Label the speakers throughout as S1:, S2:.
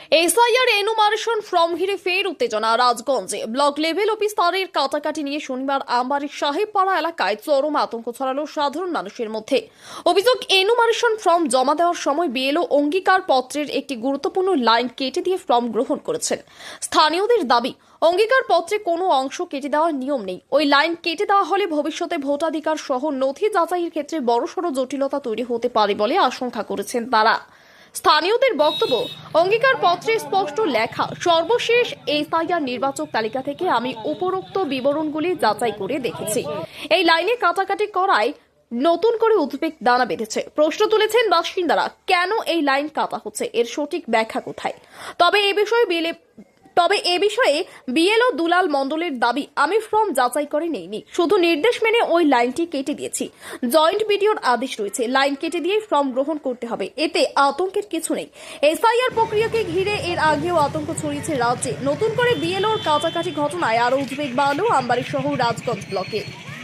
S1: SIR enumeration form ঘিরে ফের উত্তেজনা রাজগঞ্জে। ব্লক লেভেল অফিস স্তরের কাটাকাটি নিয়ে শনিবার আমবাড়ির সাহেবপাড়া এলাকায় চরম আতঙ্ক ছড়ালো সাধারণ মানুষের মধ্যে। অভিযোগ, এনুমারেশন ফর্ম জমা দেওয়ার সময় বিএলও অঙ্গীকার পত্রের একটি গুরুত্বপূর্ণ লাইন কেটে দিয়ে ফর্ম গ্রহণ করেছেন। স্থানীয়দের দাবি, অঙ্গীকার পত্রে কোনো অংশ কেটে দেওয়ার নিয়ম নেই। ওই লাইন কেটে দেওয়া হলে ভবিষ্যতে ভোটাধিকার সহ নথি যাচাইয়ের ক্ষেত্রে বড়সড় জটিলতা তৈরি হতে পারে বলে আশঙ্কা করেছেন তারা। স্থানীয়দের বক্তব্য, অঙ্গীকার পত্রে স্পষ্ট লেখা, সর্বশেষ এসআইআর নির্বাচক তালিকা থেকে আমি উপরোক্ত বিবরণগুলি যাচাই করে দেখেছি। এই লাইনে কাটাকাটি করায় নতুন করে উদ্বেগ দানা বেঁধেছে। প্রশ্ন তুলেছেন বাসিন্দারা, কেন এই লাইন কাটা হচ্ছে, এর সঠিক ব্যাখ্যা কোথায়? তবে এ বিষয়ে বিএলও দুলাল মণ্ডলের দাবি, আমি ফর্ম যাচাই করে নেইনি, শুধু নির্দেশ মেনে ওই লাইনটি কেটে দিয়েছি। জয়েন্ট বিডিওর আদেশ রয়েছে, লাইন কেটে দিয়ে ফর্ম গ্রহণ করতে হবে, এতে আতঙ্কের কিছু নেই। এসআইআর প্রক্রিয়াকে ঘিরে এর আগেও আতঙ্ক ছড়িয়েছে রাজ্যে। নতুন করে বিএলওর কাটাকাটি ঘটনায় আরো উদ্বেগ বাড়ল আমবাড়ি সহ রাজগঞ্জ ব্লকে।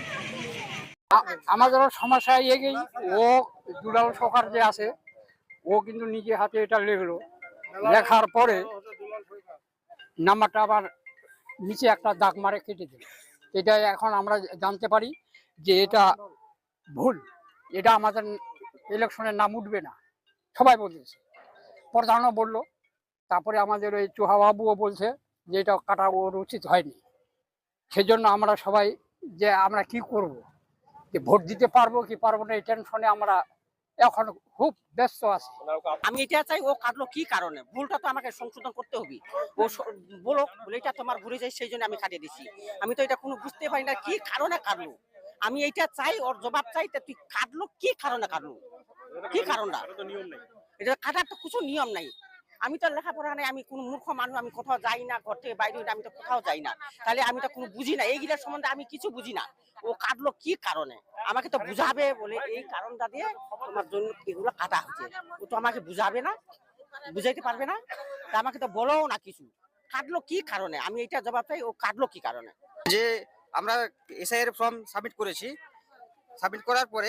S2: আমাদের সমস্যা এগেই ও দুলাল সরকার যে আছে, ও কিন্তু নিজে হাতে এটা লিখলো, লেখার পরে নাম্বারটা আবার নিচে একটা দাগ মারে কেটে দিল। এটা এখন আমরা জানতে পারি যে এটা ভুল, এটা আমাদের ইলেকশনের নাম উঠবে না, সবাই বলতেছে, প্রধানও বললো, তারপরে আমাদের ওই চুহাবাবুও বলছে যে এটা কাটা ওর উচিত হয়নি। সেজন্য আমরা সবাই যে আমরা কি করব, যে ভোট দিতে পারবো কি পারবো না, এই টেনশনে আমরা এখন খুব ব্যস্ত আছি।
S3: আমি এটা চাই, ও কাটলো কি কারণে, ভুলটা তো আমাকে সংশোধন করতে হবে। ও বলো এটা তোমার ভুলে যায়, সেই জন্য আমি কাটিয়ে দিছি। আমি তো এটা কোনো বুঝতে পারি না কি কারণে কাটলো। আমি এইটা চাই, ওর জবাব চাই, তুই কাটলো কি কারণে কাটলো, কি কারণটা? এটা কাটার তো কিছু নিয়ম নাই। আমি তো লেখাপড়া নাই, আমি কোনো মূর্খ মানুষ, আমি কোথাও যাই না, ঘর থেকে বাইরে হই না, আমি তো কোথাও যাই না, তাহলে আমি তো কোনো বুঝি না এইগুলোর সম্বন্ধে, আমি কিছু বুঝি না। ও কাটলো কি কারণে আমাকে তো বুঝাবে, বলে এই কারণটা দিয়ে তোমার জন্য এগুলো কাটা হচ্ছে। ও তো আমাকে বুঝাবে না, বুঝাইতে পারবে না, তা আমাকে তো বলো না কিছু। কাটলো কি কারণে, আমি এইটা জবাব চাই, ও কাটলো কি কারণে।
S4: যে আমরা এসআইআর ফর্ম সাবমিট করেছি, সাবমিট করার পরে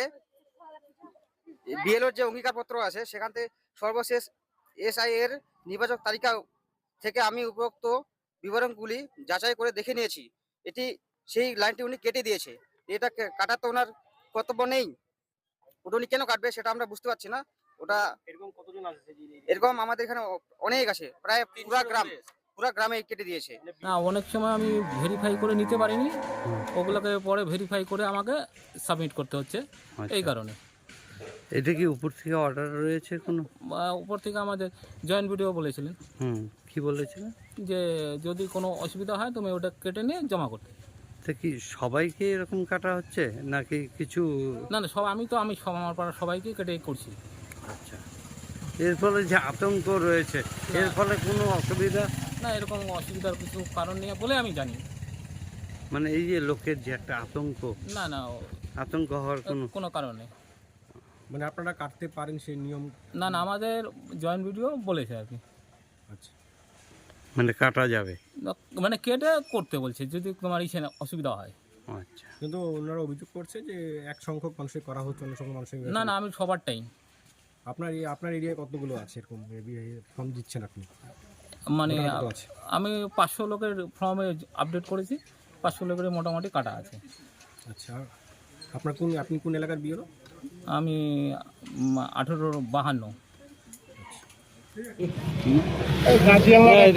S4: বিএলওর যে অঙ্গীকারপত্র আছে সেখান থেকে সর্বশেষ এসআইআর নির্বাচক তালিকা থেকে আমি উপরোক্ত বিবরণগুলি যাচাই করে দেখে নিয়েছি। এটি সেই লাইনটি উনি কেটে দিয়েছে, এটা কাটার তো ওনার কর্তব্য নেই। ওটা উনি কেন কাটবে সেটা আমরা বুঝতে পারছি না। ওটা
S5: এরকম কতজন আছে?
S4: এরকম আমাদের এখানে অনেক আছে, প্রায় পুরা গ্রামে কেটে দিয়েছে।
S6: না, অনেক সময় আমি ভেরিফাই করে নিতে পারিনি, ওগুলোকে পরে ভেরিফাই করে আমাকে সাবমিট করতে হচ্ছে। এই কারণে।
S7: এটা কি উপর থেকে অর্ডার রয়েছে কোনো?
S6: উপর থেকে আমাদের জয়েন্ট ভিডিও বলেছিলেন।
S7: কি বলেছিলেন?
S6: যে যদি কোনো অসুবিধা হয় তুমি ওটা কেটে নিয়ে জমা করতে।
S7: তা কি সবাইকে এরকম কাটা হচ্ছে নাকি কিছু?
S6: না না, আমি আমার পাড়ার সবাইকে কেটে করছি।
S7: আচ্ছা, এর ফলে যে আতঙ্ক রয়েছে, এর ফলে কোনো অসুবিধা?
S6: না, এরকম অসুবিধার কিছু কারণ নেই বলে আমি জানি।
S7: মানে এই যে লোকের যে একটা আতঙ্ক,
S6: না না,
S7: আতঙ্ক হওয়ার
S6: কোনো কারণ নেই।
S5: মানে আপনারা কাটতে পারেন সেই নিয়ম?
S6: না না, আমাদের জয়েন্ট ভিডিও বলেছে আর কি।
S5: আচ্ছা,
S7: মানে কাটা যাবে,
S6: মানে কেটে করতে বলছে যদি তোমার অসুবিধা হয়।
S7: আচ্ছা,
S5: কিন্তু ওনারা অভিযোগ করছে যে এক সংখ্যক মানুষের করা হচ্ছে, অন্য সংখ্যক মানুষের।
S6: না না, আমি সবারটাই।
S5: আপনার এরিয়ায় কতগুলো আছে এরকম ফর্ম দিচ্ছেন আপনি?
S6: মানে আমি 500 লোকের ফর্মে আপডেট করেছি, 500 লোকের মোটামুটি কাটা আছে।
S5: আচ্ছা, আপনি কোন এলাকার বিএলও?
S6: আমি 1852।